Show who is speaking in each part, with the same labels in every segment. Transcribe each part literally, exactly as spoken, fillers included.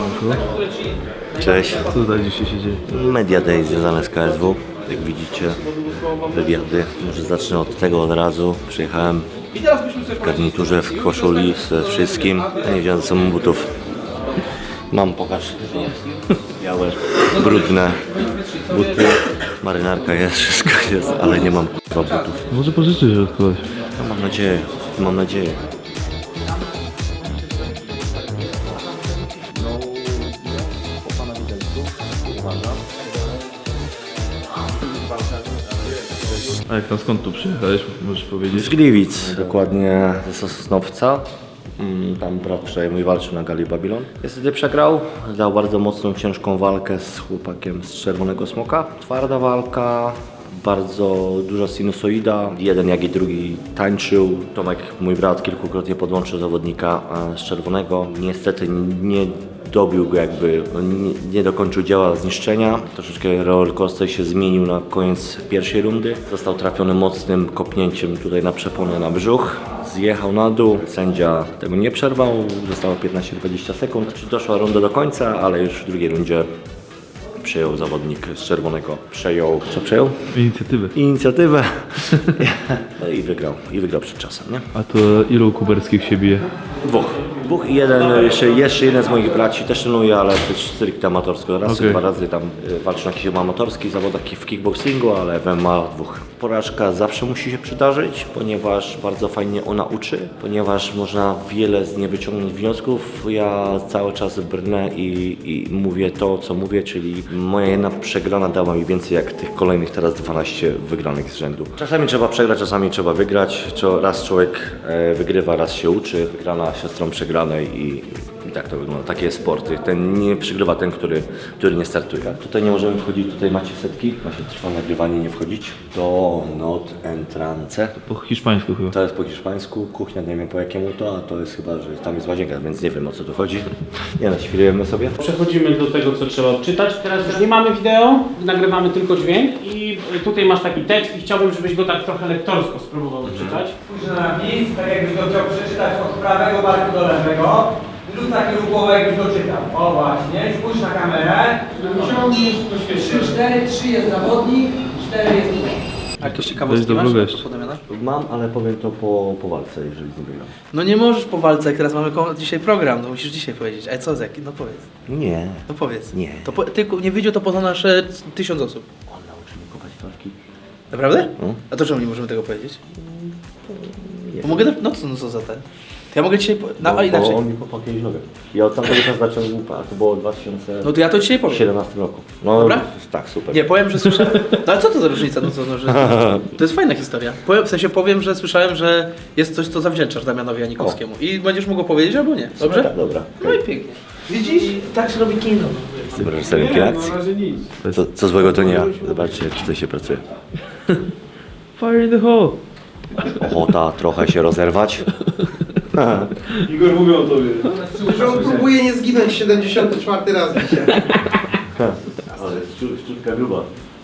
Speaker 1: Cześć.
Speaker 2: Co tutaj dzisiaj się dzieje?
Speaker 1: Media Day związane z K S W. Jak widzicie, wywiady. Może zacznę od tego od razu. Przyjechałem w garniturze, w koszuli ze wszystkim. Nie wziąłem ze sobą butów. Mam, pokaż. Białe, brudne buty. Marynarka jest, wszystko jest, ale nie mam k***a butów.
Speaker 2: Może pożyczyć od kogoś.
Speaker 1: No, mam nadzieję, mam nadzieję.
Speaker 2: A jak tam, skąd tu przyjechałeś, możesz powiedzieć?
Speaker 1: Z Gliwic, dokładnie ze Sosnowca. Mm, Tam brat wczoraj mój walczył na gali Babylon. Niestety przegrał, dał bardzo mocną, ciężką walkę z chłopakiem z Czerwonego Smoka. Twarda walka, bardzo duża sinusoida. Jeden jak i drugi tańczył. Tomek, mój brat, kilkukrotnie podłączył zawodnika e, z Czerwonego. Niestety nie dobił go jakby, no nie, nie dokończył dzieła zniszczenia. Troszeczkę rollercoaster się zmienił na koniec pierwszej rundy. Został trafiony mocnym kopnięciem tutaj na przeponę na brzuch. Zjechał na dół, sędzia tego nie przerwał, zostało piętnaście do dwudziestu sekund. Doszła runda do końca, ale już w drugiej rundzie przejął zawodnik z Czerwonego. Przejął, co przejął?
Speaker 2: Inicjatywę.
Speaker 1: Inicjatywę. No i wygrał, i wygrał przed czasem, nie?
Speaker 2: A to ilu kuberskich się bije?
Speaker 1: Dwóch. Dwóch i jeden, jeszcze, jeszcze jeden z moich braci też trenuje, ale też stricte amatorsko. Raz czy
Speaker 2: Okay.
Speaker 1: dwa razy tam y, walczy na jakichś amatorskich zawodach w kickboxingu, ale w M M A dwóch. Porażka zawsze musi się przydarzyć, ponieważ bardzo fajnie ona uczy, ponieważ można wiele z niej wyciągnąć wniosków. Ja cały czas brnę i, i mówię to, co mówię, czyli moja jedna przegrana dała mi więcej jak tych kolejnych teraz dwanaście wygranych z rzędu. Czasami trzeba przegrać, czasami trzeba wygrać. Raz człowiek e, wygrywa, raz się uczy. Wygrana siostrą przegranej i, i tak to wygląda. Takie jest sport. Ten nie przegrywa ten, który, który nie startuje. Tutaj nie możemy wchodzić, tutaj macie setki. Właśnie trwa nagrywanie, nie wchodzić. Do not entrance.
Speaker 2: Po hiszpańsku chyba.
Speaker 1: To jest po hiszpańsku, kuchnia nie wiem po jakiemu to, a to jest chyba, że tam jest łazienka, więc nie wiem o co tu chodzi. Nie no, świrujemy sobie.
Speaker 3: Przechodzimy do tego, co trzeba odczytać. Teraz już nie mamy wideo, nagrywamy tylko dźwięk i tutaj masz taki tekst i chciałbym, żebyś go tak trochę lektorsko spróbował odczytać.
Speaker 4: Spójrz na napis, tak jakbyś go chciał przeczytać od prawego barku do lewego. Lub taki lub głowę jakbyś go czytał. O właśnie, spójrz na kamerę. trzy, cztery, trzy jest zawodnik, cztery jest tutaj.
Speaker 5: A jakieś
Speaker 2: Weź
Speaker 5: ciekawostki
Speaker 2: do
Speaker 5: masz?
Speaker 2: vloga jeszcze.
Speaker 5: Do Damiana?
Speaker 1: Mam, ale powiem to po, po walce, jeżeli z nim wygram.
Speaker 5: No nie możesz po walce, jak teraz mamy ko- dzisiaj program, no musisz dzisiaj powiedzieć. A co z jaki? No powiedz.
Speaker 1: Nie.
Speaker 5: No powiedz.
Speaker 1: Nie.
Speaker 5: To po, ty nie wyjdzie to poza nasze tysiąc osób.
Speaker 1: On nauczy mnie kopać walki.
Speaker 5: Naprawdę?
Speaker 1: No.
Speaker 5: A to czemu nie możemy tego powiedzieć? Bo mogę, no co, no co za ten? To ja mogę dzisiaj, po... no,
Speaker 1: Bo,
Speaker 5: a inaczej.
Speaker 1: bo on mi kopał kiedyś nogę. Ja od tamtego czasu zacząłem łupa, a to było w dwa tysiące
Speaker 5: No to ja to dzisiaj powiem.
Speaker 1: siedemnastym roku. No
Speaker 5: Dobra?
Speaker 1: tak, super.
Speaker 5: Nie, powiem, że słyszałem. No ale co to za różnica? No, co, no, że... To jest fajna historia. Powiem, w sensie powiem, że słyszałem, że jest coś, co zawdzięczasz Damianowi Janikowskiemu. I będziesz mógł powiedzieć albo nie. Dobrze?
Speaker 1: Tak, dobra.
Speaker 5: No i pięknie. Widzisz? Tak się robi kino.
Speaker 1: Jestem reżyserem kinacji. Co, co złego to nie ja. Zobaczcie, jak tutaj się pracuje.
Speaker 2: Fire in the hole!
Speaker 1: Ochota trochę się rozerwać.
Speaker 2: Igor mówił o tobie.
Speaker 6: Że on próbuje nie zginąć siedemdziesiąty czwarty raz dzisiaj.
Speaker 1: Ale szczutka gruba.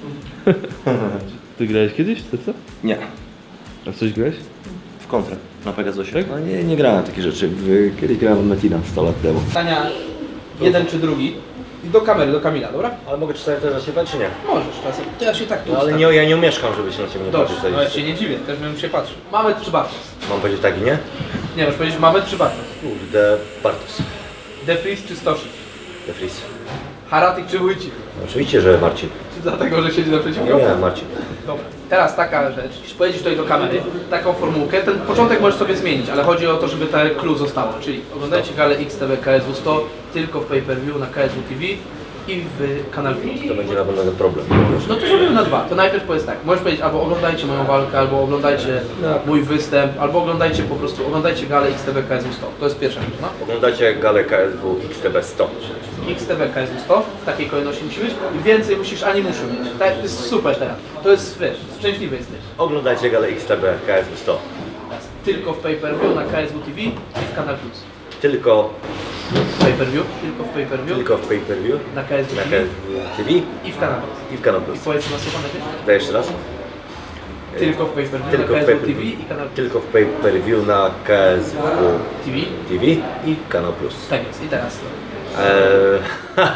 Speaker 2: Ty grałeś kiedyś w co?
Speaker 1: Nie.
Speaker 2: A w coś grałeś?
Speaker 1: W kontrę. Na Pegasusie? No nie, nie grałem takie rzeczy. W- Kiedyś grałem w Metina sto lat temu.
Speaker 5: Pytania jeden czy drugi. I do kamery, do Kamila, dobra?
Speaker 1: Ale mogę czasami też na siebie, czy nie?
Speaker 5: Możesz czasem. To ja się tak tu
Speaker 1: No ale
Speaker 5: ustawię.
Speaker 1: nie, ja nie umieszkam, żeby się na ciebie nie
Speaker 5: Dobrze,
Speaker 1: patrzeć.
Speaker 5: no ja się nie dziwię, też bym się patrzył. Mamy czy Bartos?
Speaker 1: Mam powiedzieć tak i nie?
Speaker 5: Nie, masz powiedzieć mamy czy Bartos?
Speaker 1: Kurde, Bartos.
Speaker 5: Defris czy Stosik?
Speaker 1: De Vries.
Speaker 5: Haratik czy Wójcik?
Speaker 1: No, oczywiście, że Marcin.
Speaker 5: Czy dlatego, że siedzi naprzeciwko?
Speaker 1: No nie, Marcin.
Speaker 5: Dobra. Teraz taka rzecz, jeśli pojedziesz tutaj do kamery, taką formułkę, ten początek możesz sobie zmienić, ale chodzi o to, żeby te clue zostało, czyli oglądajcie galę X T V K S W sto tylko w pay-per-view na K S W T V i w Kanal Plus.
Speaker 1: To będzie na pewno problem.
Speaker 5: No to zrobimy na dwa. To najpierw powiedz tak, możesz powiedzieć albo oglądajcie moją walkę, albo oglądajcie mój występ, albo oglądajcie po prostu, oglądajcie galę X T V K S W sto. To jest pierwsza rzecz, no.
Speaker 1: Oglądajcie galę K S W X T B sto.
Speaker 5: X T V K S W sto, w takiej kolejności musi być i więcej musisz, ani muszę mieć. Tak, to jest super teraz. To jest, wiesz, szczęśliwy jesteś.
Speaker 1: Oglądajcie galę X T B K S W sto.
Speaker 5: Teraz tylko w pay-per-view na K S W T V i w Kanal Plus.
Speaker 1: Tylko,
Speaker 5: W pay-per-view, tylko w pay-per-view,
Speaker 1: tylko w pay-per-view.
Speaker 5: na K S W
Speaker 1: Na
Speaker 5: T
Speaker 1: K
Speaker 5: V
Speaker 1: S W T V
Speaker 5: i w Kanal Plus.
Speaker 1: i w Kanal
Speaker 5: I
Speaker 1: Plus.
Speaker 5: powiedz na słowo najpierw.
Speaker 1: Daj jeszcze raz.
Speaker 5: Tylko w pay-per-view
Speaker 1: Tylko
Speaker 5: na
Speaker 1: w
Speaker 5: K S W T V
Speaker 1: pay-per-view.
Speaker 5: i Kanal Plus.
Speaker 1: Tylko w pay-per-view na K S W
Speaker 5: T V.
Speaker 1: T V i Kanal Plus.
Speaker 5: Tak jest. I teraz
Speaker 1: Eee...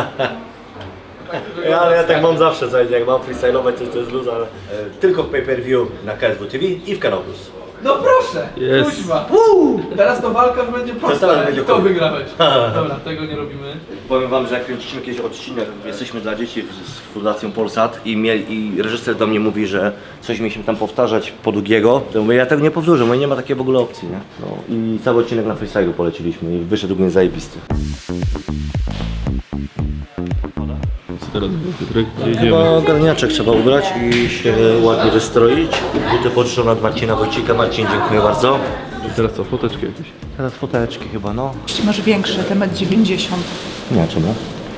Speaker 1: ja, ale ja tak mam zawsze, słuchajcie, jak mam freestyle'ować coś, to jest luz, ale... E, tylko w pay-per-view na K S W T V i w Kanał Plus.
Speaker 5: No proszę!
Speaker 2: Jest.
Speaker 5: Kuźma. Teraz to walka już będzie prosta.
Speaker 1: teraz będzie
Speaker 5: Kto
Speaker 1: koniec.
Speaker 5: wygrałeś? Dobra, tego nie robimy.
Speaker 1: Powiem wam, że jak kręciliśmy kiedyś odcinek, jesteśmy dla dzieci z Fundacją Polsat i, mie, i reżyser do mnie mówi, że coś mieliśmy tam powtarzać po długiego, to mówię, ja tego nie powtórzę, bo nie ma takiej w ogóle opcji, nie? No, i cały odcinek na freestylu poleciliśmy i wyszedł mnie zajebisty.
Speaker 2: Co teraz było, Piotrek? Gdzie
Speaker 1: Chyba
Speaker 2: idziemy?
Speaker 1: garniaczek trzeba ubrać i się ładnie wystroić. Buty poczczą od Marcina Wojcika. Marcin, dziękuję bardzo.
Speaker 2: Teraz co, foteczki jakieś?
Speaker 1: Teraz foteczki chyba, no.
Speaker 7: Masz większy, ten metr dziewięćdziesiąt.
Speaker 1: Nie, czemu?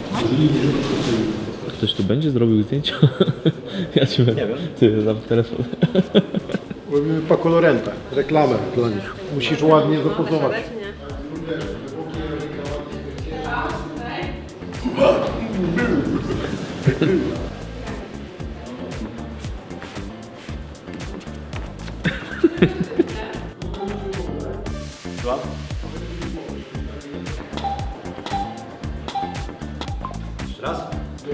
Speaker 2: Ktoś tu będzie zrobił zdjęcia? Ja ci nie
Speaker 1: wiem.
Speaker 2: Ty, dam telefon.
Speaker 8: Robimy po kolorentach, reklamę dla nich. Musisz ładnie zapozować.
Speaker 1: Jeszcze raz.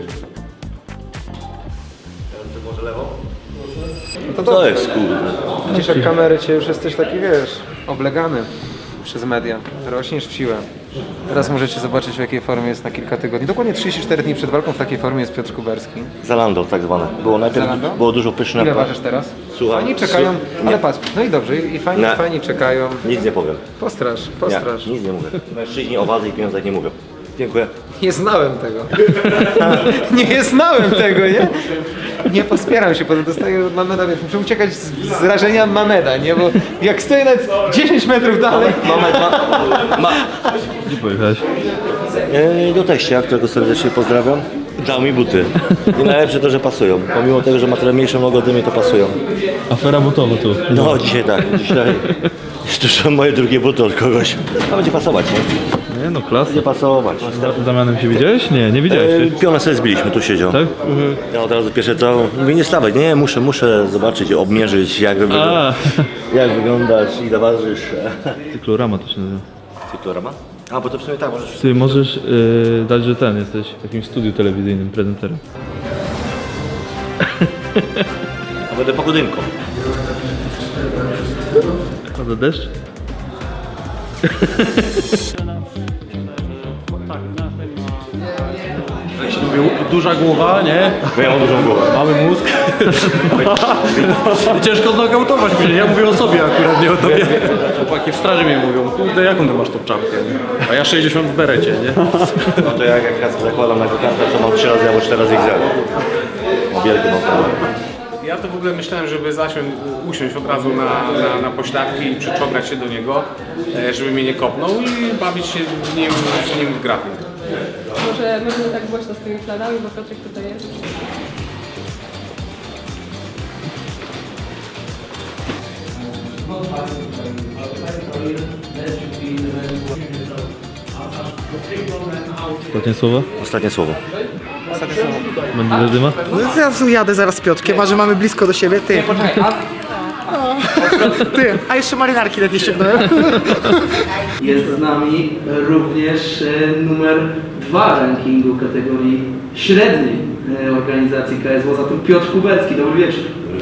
Speaker 1: Teraz to może lewo.
Speaker 6: To
Speaker 1: To jest kurde.
Speaker 6: Widzisz, jak kamery cię już jesteś taki, wiesz, oblegany przez media. Rośniesz w siłę. Teraz możecie zobaczyć, w jakiej formie jest na kilka tygodni. Dokładnie trzydzieści cztery dni przed walką w takiej formie jest Piotr Kuberski.
Speaker 1: Zalando tak zwane. Było najpierw,
Speaker 6: Zalando?
Speaker 1: było dużo pyszne.
Speaker 6: Ile ważysz teraz?
Speaker 1: Słucham.
Speaker 6: Fajni czekają,
Speaker 1: Nie.
Speaker 6: ale patrz, no i dobrze, i fajni,
Speaker 1: Nie.
Speaker 6: fajni czekają.
Speaker 1: Nic nie powiem.
Speaker 6: Postrasz,
Speaker 1: Nie,
Speaker 6: postrasz.
Speaker 1: nic nie mówię. Mężczyźni o wadze i pieniądzach nie mówią. Dziękuję.
Speaker 6: Nie znałem tego. nie znałem tego, nie? Nie pospieram się, potem dostaję od Mameda, więc muszę uciekać z, z rażenia Mameda, nie? Bo jak stoję nawet dziesięć metrów dalej...
Speaker 1: Moment, ma, ma,
Speaker 2: Gdzie pojechałeś?
Speaker 1: E, do teścia, którego serdecznie pozdrawiam. Dał mi buty. I najlepsze to, że pasują. Pomimo tego, że ma trochę mniejszą nogę ode mnie, to pasują.
Speaker 2: Afera butowa tu.
Speaker 1: No dzisiaj tak, dzisiaj. To są moje drugie buty od kogoś. A będzie pasować, nie?
Speaker 2: Nie no, klasa.
Speaker 1: Będzie pasować.
Speaker 2: Z Damianem się widziałeś? Nie, nie widziałeś
Speaker 1: E,
Speaker 2: się.
Speaker 1: pionę sobie zbiliśmy, tu siedział.
Speaker 2: Tak?
Speaker 1: Ja od razu pierwsze co, mówię nie stawaj, nie, muszę, muszę zobaczyć, obmierzyć jak, wygląda,
Speaker 2: A,
Speaker 1: jak wyglądasz, ile ważysz.
Speaker 2: cyklorama to się nazywa.
Speaker 1: Cyklorama? A, bo to w sumie tak, możesz...
Speaker 2: Ty możesz yy, dać, że ten, jesteś w jakimś studiu telewizyjnym prezenterem.
Speaker 1: A będę pogodynką.
Speaker 2: Pada deszcz?
Speaker 9: Duża głowa, nie?
Speaker 1: Bo ja mam dużą głowę.
Speaker 9: Mały mózg. Ciężko znokautować mnie. Ja mówię o sobie akurat, nie o tobie. Chłopaki w straży mnie mówią, kurde, jaką ty masz tą czapkę? Nie? A ja sześćdziesiąt w berecie, nie?
Speaker 1: No to jak, jak kask zakładam na kokardę, to mam trzy razy albo cztery razy X L. Wielkie mam problem.
Speaker 3: Ja to w ogóle myślałem, żeby zasiąść, usiąść od razu na, na, na pośladki i przyczołgać się do niego, e, żeby mnie nie kopnął i bawić się z nim, z nim w grappling.
Speaker 10: Może my tak głośno z tymi planami, bo Piotrek tutaj jest.
Speaker 2: Ostatnie słowo?
Speaker 1: Ostatnie słowo.
Speaker 2: Będzie zadyma?
Speaker 6: Ja jadę zaraz z Piotrkiem, a że mamy blisko do siebie, ty. Ty, a jeszcze marynarki lepiej ściągnąłem.
Speaker 5: Jest z nami również e, numer dwa rankingu kategorii średniej e, organizacji K S W, zatem Piotr Kuberski. Dobry wieczór.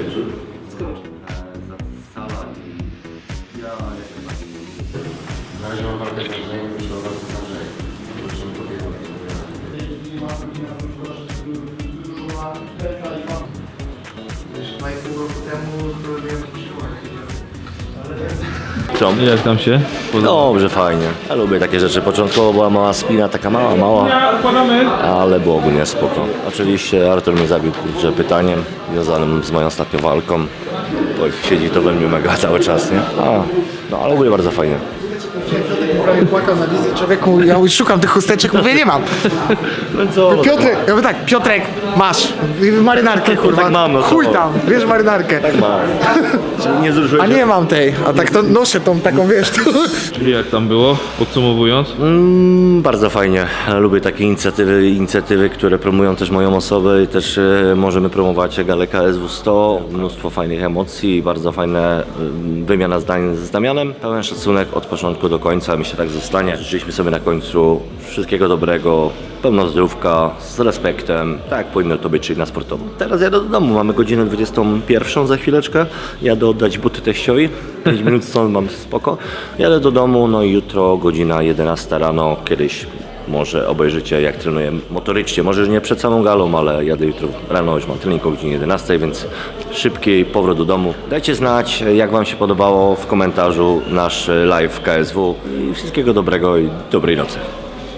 Speaker 1: Co?
Speaker 2: I jak tam się?
Speaker 1: Dobrze, fajnie. Ja lubię takie rzeczy. Początkowo była mała spina, taka mała, mała, ale było ogólnie spoko. Oczywiście Artur mnie zabił kurczę pytaniem związanym z moją ostatnią walką. Bo siedzi to we mnie mega cały czas, nie? A, no ale ogólnie bardzo fajnie.
Speaker 6: Prawie płakał na wizji człowieku, ja już szukam tych chusteczek, mówię, nie mam.
Speaker 1: No co?
Speaker 6: Piotrek, ja mówię tak, Piotrek, masz marynarkę, kurwa.
Speaker 1: Tak mam, no co?
Speaker 6: Chuj tam, wiesz marynarkę.
Speaker 1: Tak ma. Nie zruszyłeś
Speaker 6: A nie mam tej, a tak to noszę tą taką, wiesz, tu.
Speaker 2: Czyli jak tam było? Podsumowując.
Speaker 1: Mm, bardzo fajnie. Lubię takie inicjatywy, inicjatywy, które promują też moją osobę i też e, możemy promować galę K S W sto. Mnóstwo fajnych emocji, bardzo fajna e, wymiana zdań z Damianem. Pełen szacunek od początku do końca. Myślę, jeszcze tak zostanie. Życzyliśmy sobie na końcu wszystkiego dobrego, pełno zdrówka, z respektem, tak jak powinno to być, czyli na sportowo. Teraz jadę do domu, mamy godzinę dwudziestą pierwszą za chwileczkę. Jadę oddać buty teściowi, pięć minut stąd mam spoko. Jadę do domu, no i jutro godzina jedenasta rano, kiedyś może obejrzycie jak trenuję motorycznie, może już nie przed samą galą, ale jadę jutro rano, już mam trening o godzinie jedenastej, więc szybki powrót do domu. Dajcie znać, jak wam się podobało w komentarzu nasz live K S W i wszystkiego dobrego i dobrej nocy.